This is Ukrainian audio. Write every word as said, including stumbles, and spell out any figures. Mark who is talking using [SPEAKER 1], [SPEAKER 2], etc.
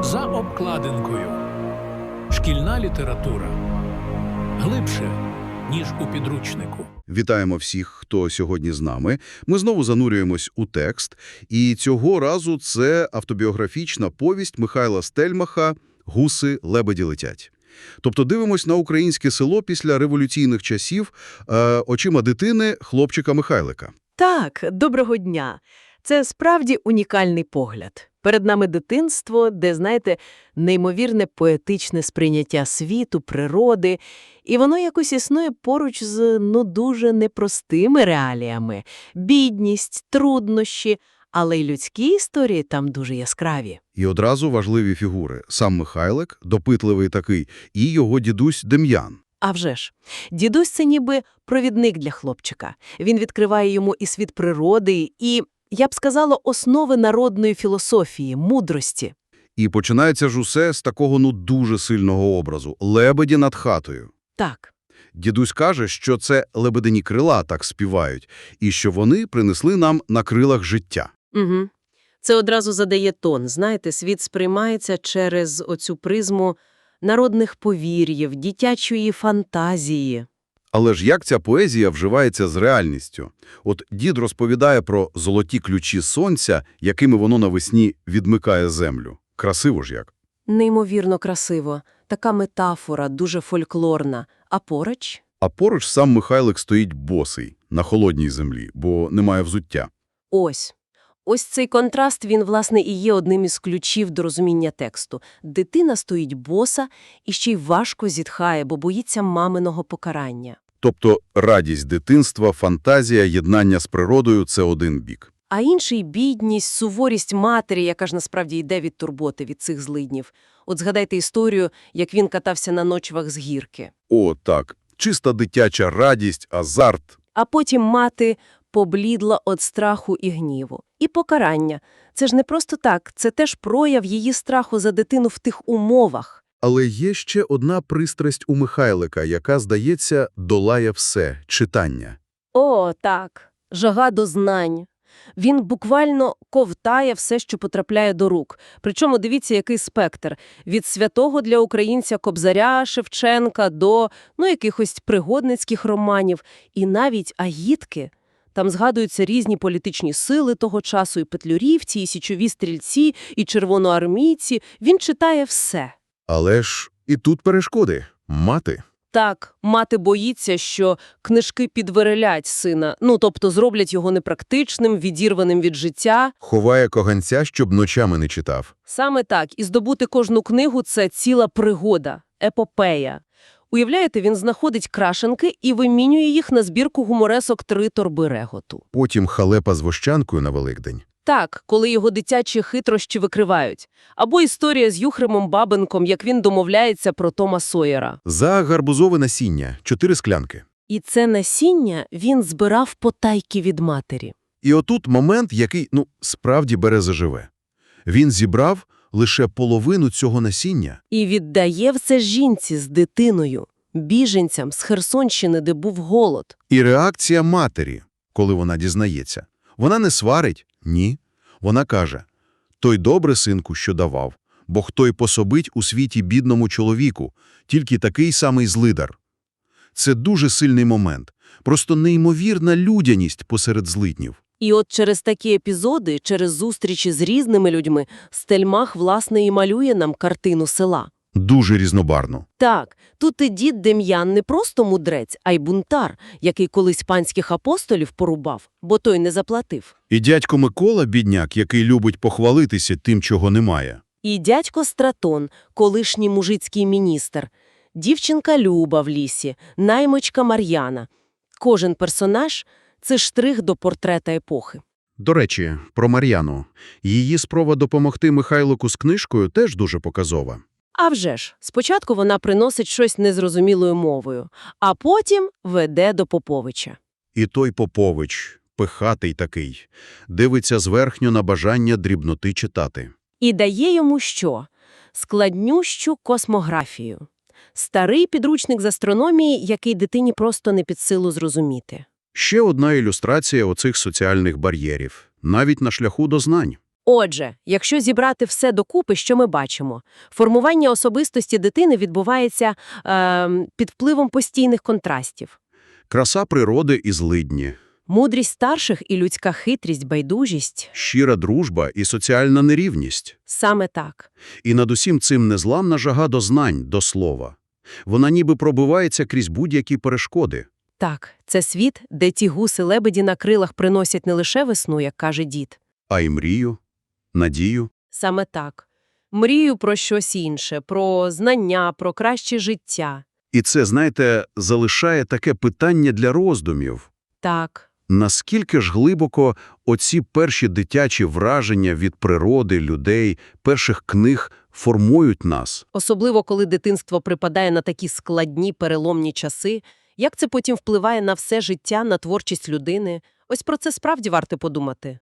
[SPEAKER 1] За обкладинкою. Шкільна література. Глибше, ніж у підручнику.
[SPEAKER 2] Вітаємо всіх, хто сьогодні з нами. Ми знову занурюємось у текст. І цього разу це автобіографічна повість Михайла Стельмаха «Гуси лебеді летять». Тобто дивимось на українське село після революційних часів е, очима дитини хлопчика Михайлика.
[SPEAKER 3] Так, доброго дня. Це справді унікальний погляд. Перед нами дитинство, де, знаєте, неймовірне поетичне сприйняття світу, природи, і воно якось існує поруч з, ну, дуже непростими реаліями. Бідність, труднощі, але й людські історії там дуже яскраві.
[SPEAKER 2] І одразу важливі фігури. Сам Михайлик, допитливий такий, і його дідусь Дем'ян.
[SPEAKER 3] А вже ж, дідусь – це ніби провідник для хлопчика. Він відкриває йому і світ природи, і, я б сказала, основи народної філософії, мудрості.
[SPEAKER 2] І починається ж усе з такого, ну, дуже сильного образу – лебеді над хатою.
[SPEAKER 3] Так.
[SPEAKER 2] Дідусь каже, що це лебедині крила так співають, і що вони принесли нам на крилах життя.
[SPEAKER 3] Угу. Це одразу задає тон. Знаєте, світ сприймається через оцю призму народних повір'їв, дитячої фантазії.
[SPEAKER 2] Але ж як ця поезія вживається з реальністю? От дід розповідає про золоті ключі сонця, якими воно навесні відмикає землю. Красиво ж як.
[SPEAKER 3] Неймовірно красиво. Така метафора, дуже фольклорна. А поруч?
[SPEAKER 2] А поруч сам Михайлик стоїть босий, на холодній землі, бо немає взуття.
[SPEAKER 3] Ось. Ось цей контраст, він, власне, і є одним із ключів до розуміння тексту. Дитина стоїть боса і ще й важко зітхає, бо боїться маминого покарання.
[SPEAKER 2] Тобто радість дитинства, фантазія, єднання з природою – це один бік.
[SPEAKER 3] А інший – бідність, суворість матері, яка ж насправді йде від турботи, від цих злиднів. От згадайте історію, як він катався на ночвах з гірки.
[SPEAKER 2] О, так. Чиста дитяча радість, азарт.
[SPEAKER 3] А потім мати поблідла від страху і гніву. І покарання. Це ж не просто так, це теж прояв її страху за дитину в тих умовах.
[SPEAKER 2] Але є ще одна пристрасть у Михайлика, яка, здається, долає все – читання.
[SPEAKER 3] О, так. Жага до знань. Він буквально ковтає все, що потрапляє до рук. Причому дивіться, який спектр. Від святого для українця Кобзаря, Шевченка до, ну, якихось пригодницьких романів. І навіть агітки. Там згадуються різні політичні сили того часу, і петлюрівці, і січові стрільці, і червоноармійці. Він читає все.
[SPEAKER 2] Але ж і тут перешкоди. Мати.
[SPEAKER 3] Так, мати боїться, що книжки підверелять сина, ну, тобто зроблять його непрактичним, відірваним від життя.
[SPEAKER 2] Ховає коганця, щоб ночами не читав.
[SPEAKER 3] Саме так. І здобути кожну книгу – це ціла пригода, епопея. Уявляєте, він знаходить крашенки і вимінює їх на збірку гуморесок «Три торби реготу».
[SPEAKER 2] Потім халепа з вощанкою на Великдень.
[SPEAKER 3] Так, коли його дитячі хитрощі викривають. Або історія з Юхремом Бабенком, як він домовляється про Тома Сойера.
[SPEAKER 2] За гарбузове насіння – чотири склянки.
[SPEAKER 3] І це насіння він збирав потайки від матері.
[SPEAKER 2] І отут момент, який, ну, справді бере заживе. Він зібрав лише половину цього насіння.
[SPEAKER 3] І віддає все жінці з дитиною, біженцям з Херсонщини, де був голод.
[SPEAKER 2] І реакція матері, коли вона дізнається. Вона не сварить? Ні. Вона каже: «Той добре, синку, що давав, бо хто й пособить у світі бідному чоловіку, тільки такий самий злидар». Це дуже сильний момент, просто неймовірна людяність посеред злиднів.
[SPEAKER 3] І от через такі епізоди, через зустрічі з різними людьми, Стельмах, власне, і малює нам картину села.
[SPEAKER 2] Дуже різнобарно.
[SPEAKER 3] Так, тут і дід Дем'ян не просто мудрець, а й бунтар, який колись панських апостолів порубав, бо той не заплатив.
[SPEAKER 2] І дядько Микола, бідняк, який любить похвалитися тим, чого немає.
[SPEAKER 3] І дядько Стратон, колишній мужицький міністр, дівчинка Люба в лісі, наймичка Мар'яна. Кожен персонаж – це штрих до портрета епохи.
[SPEAKER 2] До речі, про Мар'яну. Її спроба допомогти Михайлику з книжкою теж дуже показова.
[SPEAKER 3] А вже ж, спочатку вона приносить щось незрозумілою мовою, а потім веде до Поповича.
[SPEAKER 2] І той Попович, пихатий такий, дивиться зверхньо на бажання дрібноти читати.
[SPEAKER 3] І дає йому що? Складнющу космографію. Старий підручник з астрономії, який дитині просто не під силу зрозуміти.
[SPEAKER 2] Ще одна ілюстрація оцих соціальних бар'єрів, навіть на шляху до знань.
[SPEAKER 3] Отже, якщо зібрати все докупи, що ми бачимо? Формування особистості дитини відбувається е, під впливом постійних контрастів.
[SPEAKER 2] Краса природи і злидні,
[SPEAKER 3] Мудрість старших і людська хитрість, байдужість.
[SPEAKER 2] щира дружба і соціальна нерівність.
[SPEAKER 3] Саме так.
[SPEAKER 2] І над усім цим незламна жага до знань, до слова. Вона ніби пробивається крізь будь-які перешкоди.
[SPEAKER 3] Так, це світ, де ті гуси-лебеді на крилах приносять не лише весну, як каже дід.
[SPEAKER 2] А й мрію, надію.
[SPEAKER 3] Саме так. Мрію про щось інше, про знання, про краще життя.
[SPEAKER 2] І це, знаєте, залишає таке питання для роздумів.
[SPEAKER 3] Так.
[SPEAKER 2] Наскільки ж глибоко оці перші дитячі враження від природи, людей, перших книг формують нас?
[SPEAKER 3] Особливо, коли дитинство припадає на такі складні, переломні часи. Як це потім впливає на все життя, на творчість людини? Ось про це справді варто подумати.